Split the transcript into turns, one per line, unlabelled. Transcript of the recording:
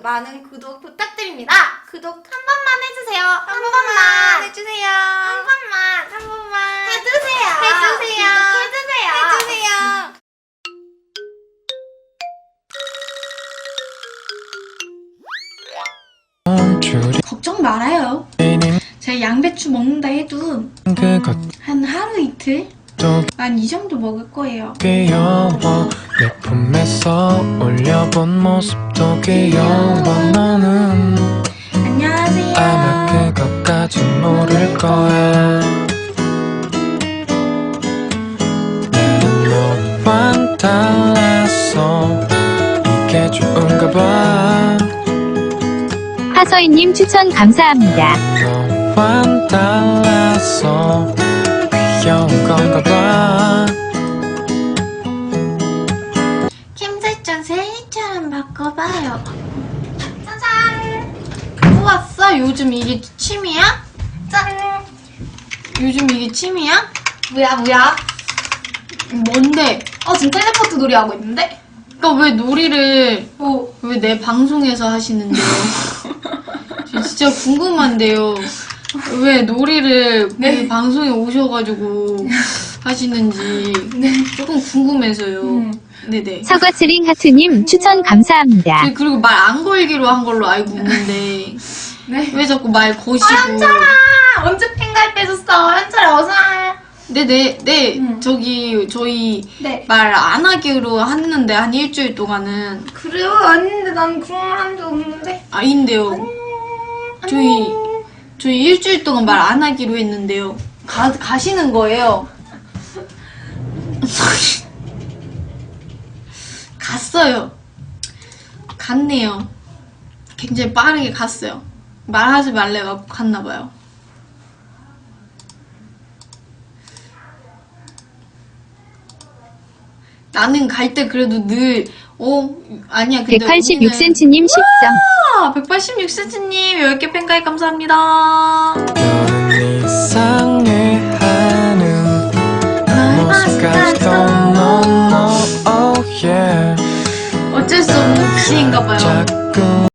많은 구독 부탁드립니다. 구독 한 번만 해주세요. 한 번만 해주세요. 한 번만 해주세요. 해주세요.
걱정 말아요. 제가 양배추 먹는다 해도 한 하루 이틀? 난 이 정도 먹을 거예요.
귀여워 내 품에서 올려본 모습도 귀여워 너는
안녕하세요.
아마 그것까진 모를 거야 나는 너와 달라서 이게 좋은가 봐
하서인님 추천 감사합니다.
너와 달라서 귀여운 건가 봐
캠 설정 셀리처럼 바꿔봐요. 짜잔! 우왔어? 요즘 이게 취미야?
짠!
요즘 이게 취미야?
뭐야?
뭔데?
지금 텔레포트 놀이 하고 있는데?
그니까 왜 놀이를
뭐?
왜 내 방송에서 하시는데요? 저 진짜 궁금한데요. 왜 놀이를
네.
우리 방송에 오셔가지고 하시는지 조금 궁금해서요. 네네.
사과스링 하트님 추천 감사합니다.
그리고 말 안 걸기로 한 걸로 알고 있는데
네.
왜 자꾸 말 거시고?
현철아! 언제 팬 가입해줬어? 현철아 어서 와.
네. 저기 저희
네.
말 안 하기로 했는데 한 일주일 동안은
그래요? 아닌데 난 그런 말 한 적 없는데.
아닌데요. 저희 일주일 동안 말 안 하기로 했는데요. 가시는 거예요. 갔어요. 갔네요. 굉장히 빠르게 갔어요. 말하지 말래갖고 갔나봐요. 나는 갈 때 그래도 늘, 아니야. 근데
186cm님 10점.
186cm님 10개 팬가입 감사합니다.
너는 이상해하는 모습까지도 no, oh yeah
어쩔 수 없는 귀인가봐요.
자꾸